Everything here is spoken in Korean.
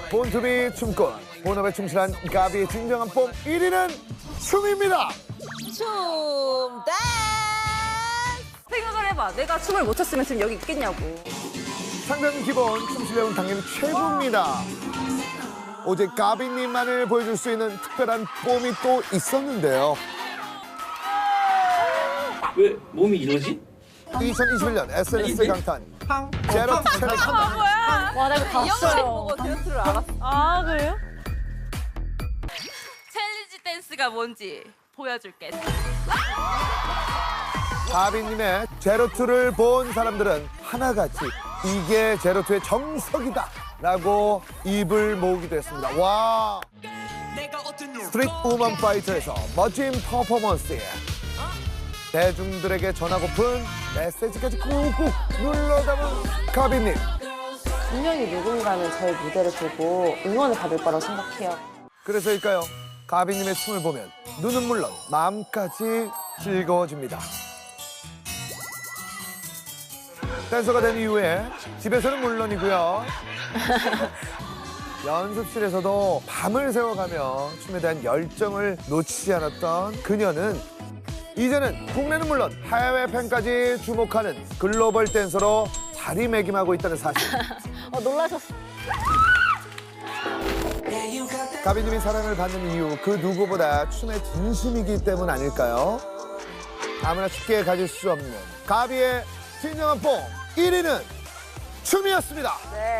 본투비 춤꾼, 본업에 충실한 가비의 진정한 뽐 1위는 춤입니다. 춤 댄스. 생각을 해봐. 내가 춤을 못 췄으면 지금 여기 있겠냐고. 상대는 기본, 춤 실력은 당연히 최고입니다. 오직 가비님만을 보여줄 수 있는 특별한 뽐이 또 있었는데요. 왜 몸이 이러지? 2021년 SNS 강탄 제로 챌린지. 뭐야? 와, 나 이거 이 영상 봤어요. 보고 댄스를 알았어. 아, 그래요? 챌린지 댄스가 뭔지 보여줄게. 가비님의 제로투를 본 사람들은 하나같이 이게 제로투의 정석이다 라고 입을 모으기도 했습니다. 와, 스트릿 우먼 파이터에서 멋진 퍼포먼스에 대중들에게 전하고픈 메시지까지 꾹꾹 눌러 담은 가비님. 분명히 누군가는 저의 무대를 보고 응원을 받을 거라고 생각해요. 그래서일까요? 가비님의 춤을 보면 눈은 물론 마음까지 즐거워집니다. 댄서가 된 이후에 집에서는 물론이고요. 연습실에서도 밤을 새워가며 춤에 대한 열정을 놓치지 않았던 그녀는 이제는 국내는 물론 해외 팬까지 주목하는 글로벌 댄서로 자리매김하고 있다는 사실. 놀라셨어. 가비님이 사랑을 받는 이유 그 누구보다 춤에 진심이기 때문 아닐까요? 아무나 쉽게 가질 수 없는 가비의 진정한 뽕 1위는 춤이었습니다.